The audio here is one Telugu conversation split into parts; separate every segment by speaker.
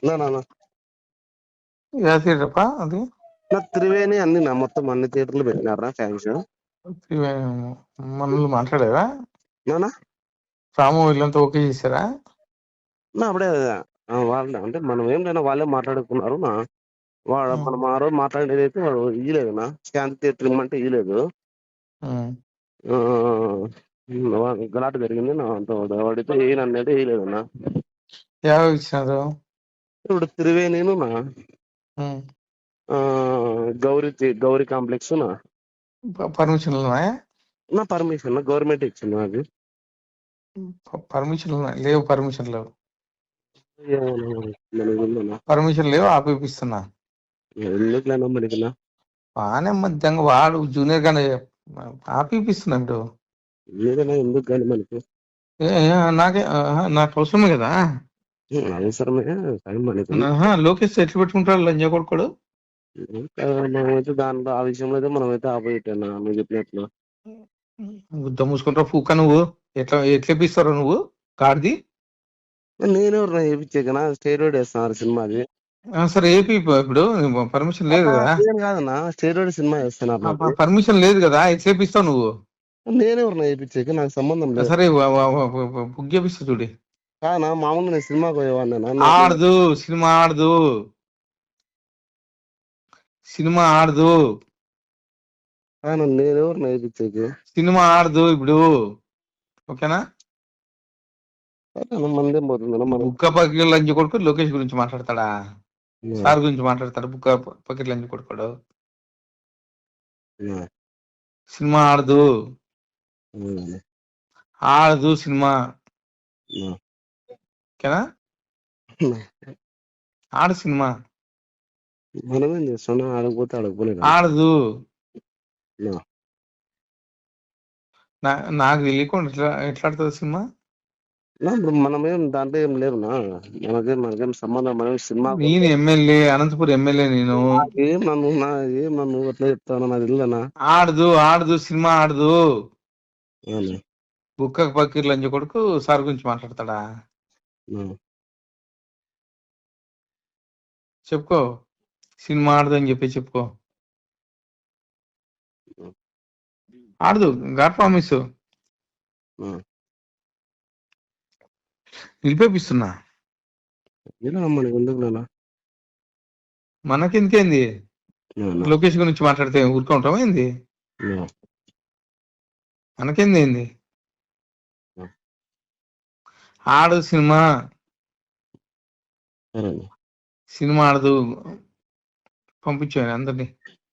Speaker 1: యా థియేటర్ అది
Speaker 2: త్రివేణి అన్ని మొత్తం అన్ని థియేటర్లు పెట్టినారా ఫ్యాన్స్?
Speaker 1: మనల్ని మాట్లాడారా? రాము వీళ్ళంతా ఓకే చేశారా?
Speaker 2: అప్పుడే వాళ్ళే అంటే మనం ఏం లేనా వాళ్ళే మాట్లాడుకున్నారు. మనం ఆ రోజు మాట్లాడేది అయితే వాడు ఇయ్యలేదు శాంతి థియేటర్ ఇమ్మంటే ఇయ్యలేదు. గలాట జరిగింది వాడితే ఏనన్నది వేయలేదన్నా.
Speaker 1: ఇచ్చినారు
Speaker 2: ఇప్పుడు Triveni Gauri complex
Speaker 1: permission
Speaker 2: permission government ఇచ్చింది నాకు.
Speaker 1: పర్మిషన్ లేవు, పర్మిషన్ లేవు, పర్మిషన్ లేవు, ఆపిస్తున్నా.
Speaker 2: ఎందుకులేనా మనకినా
Speaker 1: బాగానే మధ్యంగా వాడు జూనియర్ గానే ఆపిస్తున్నాడు.
Speaker 2: లేదన్నా ఎందుకు కానీ మనకి
Speaker 1: నాకు అవసరమే కదా.
Speaker 2: అవసరమే
Speaker 1: లోకేష్ ఎట్లు పెట్టుకుంటాడు లంజా కొడుకోడు.
Speaker 2: మనమైతే దాంట్లో ఆ విషయంలో అయితే మనమైతే ఆపోజిట్ అన్నా నువ్వు చెప్పినట్లు.
Speaker 1: గుద్ద మూసుకుంటావు పూక. నువ్వు ఎట్లేపిస్తారో నువ్వు కార్ది.
Speaker 2: నేనెవరు చేయించాకనా స్టేరోయిడ్ వేస్తున్నారు సినిమాది.
Speaker 1: సరే ఏపీ ఇప్పుడు పర్మిషన్ లేదు కదా.
Speaker 2: కాదన్నా స్టేరోయిడ్ సినిమా వేస్తున్నారు,
Speaker 1: పర్మిషన్ లేదు కదా, ఎట్లేపిస్తావు నువ్వు?
Speaker 2: నేనెవరు వేయించాక నాకు సంబంధం లేదు.
Speaker 1: సరే బుక్ చేపిస్తా చూడి.
Speaker 2: కానా మామూలు నేను సినిమాకి పోయేవాడినా.
Speaker 1: ఆడదు సినిమా, ఆడదు సినిమా, ఆడదు.
Speaker 2: నేనెవరు వేయించాక
Speaker 1: సినిమా ఆడదు ఇప్పుడు. ఓకేనా?
Speaker 2: మందేం పోతుంది.
Speaker 1: బుక్క పకెట్ లంచ్ కొడుకు లోకేష్ గురించి మాట్లాడతాడా? సార్ గురించి మాట్లాడతాడు. బుక్క పకెట్ లంచ్ కొడుకోడు. సినిమా ఆడదు, ఆడదు సినిమా. ఓకేనా? ఆడు సినిమా
Speaker 2: మనమేం చేస్తున్నా ఆడకపోతే ఆడకపోలేదు.
Speaker 1: ఆడదు. నాకు తెలియకుండా ఎట్లా ఆడుతుంది సినిమా?
Speaker 2: ఇప్పుడు మనమేం దాంట్లో ఏం లేవునా, మనకేం సంబంధం. మనం సినిమా
Speaker 1: నేను ఎమ్మెల్యే, అనంతపురం ఎమ్మెల్యే. నేను
Speaker 2: ఏం నన్ను అట్లా చెప్తాను నాకు తెలియదనా.
Speaker 1: ఆడదు, ఆడదు సినిమా, ఆడదు. బుక్క పకీర్ లంచ కొడుకు సార్ గురించి మాట్లాడతాడా? చెప్పుకో, సినిమా ఆడదు అని చెప్పి చెప్పుకో. ఆడదు, గాడ్ ప్రామిస్ నిలిపేపిస్తున్నా. మనకెందుకేంది? లోకేష్ గురించి మాట్లాడితే ఊరుకుంటాం ఏంది? మనకేంది ఏంది? ఆడు సినిమా, సినిమా ఆడదు. పంపించాను అందరినీ.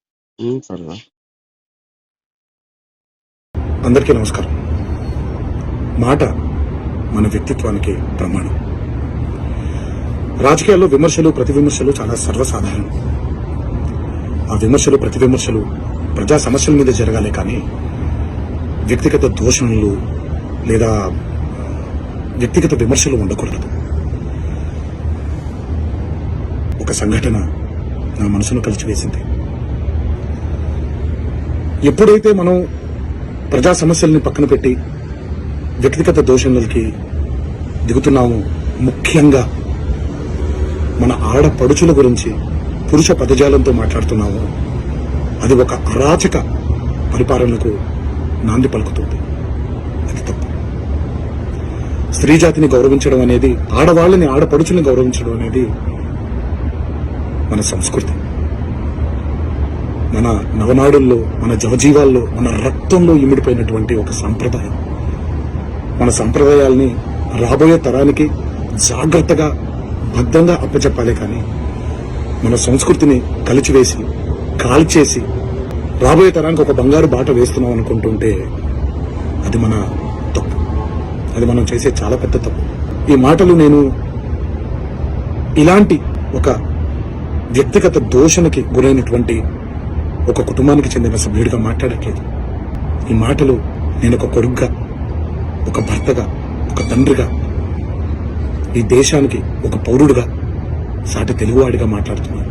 Speaker 3: అందరికీ నమస్కారం. మాట మన వ్యక్తిత్వానికి ప్రమాణం. రాజకీయాల్లో విమర్శలు ప్రతి విమర్శలు చాలా సర్వసాధారణం. ఆ విమర్శలు ప్రతి విమర్శలు ప్రజా సమస్యల మీద జరగాలి, కానీ వ్యక్తిగత దూషణలు లేదా వ్యక్తిగత విమర్శలు ఉండకూడదు. ఒక సంఘటన నా మనసును కలిచివేసింది. ఎప్పుడైతే మనం ప్రజా సమస్యల్ని పక్కన పెట్టి వ్యక్తిగత దూషణలకి దిగుతున్నాము, ముఖ్యంగా మన ఆడపడుచుల గురించి పురుష పదజాలంతో మాట్లాడుతున్నాము, అది ఒక అరాచక పరిపాలనకు నాంది పలుకుతుంది. అది తప్పు. స్త్రీ జాతిని గౌరవించడం అనేది, ఆడవాళ్ళని ఆడపడుచుల్ని గౌరవించడం అనేది మన సంస్కృతి. మన నవనాడుల్లో, మన జవజీవాల్లో, మన రక్తంలో ఇమిడిపోయినటువంటి ఒక సంప్రదాయం. మన సంప్రదాయాల్ని రాబోయే తరానికి జాగ్రత్తగా భద్రంగా అప్పచెప్పాలి, కానీ మన సంస్కృతిని కలిచివేసి కాల్చేసి రాబోయే తరానికి ఒక బంగారు బాట వేస్తున్నాం అనుకుంటుంటే అది మన తప్పు. అది మనం చేసే చాలా పెద్ద తప్పు. ఈ మాటలు నేను ఇలాంటి ఒక వ్యక్తిగత దోషణకి గురైనటువంటి ఒక కుటుంబానికి చెందిన సభ్యుడిగా మాట్లాడట్లేదు. ఈ మాటలు నేను ఒక కొడుకుగా, ఒక భర్తగా, ఒక తండ్రిగా, ఈ దేశానికి ఒక పౌరుడుగా, సాటి తెలుగువాడిగా మాట్లాడుతున్నాను.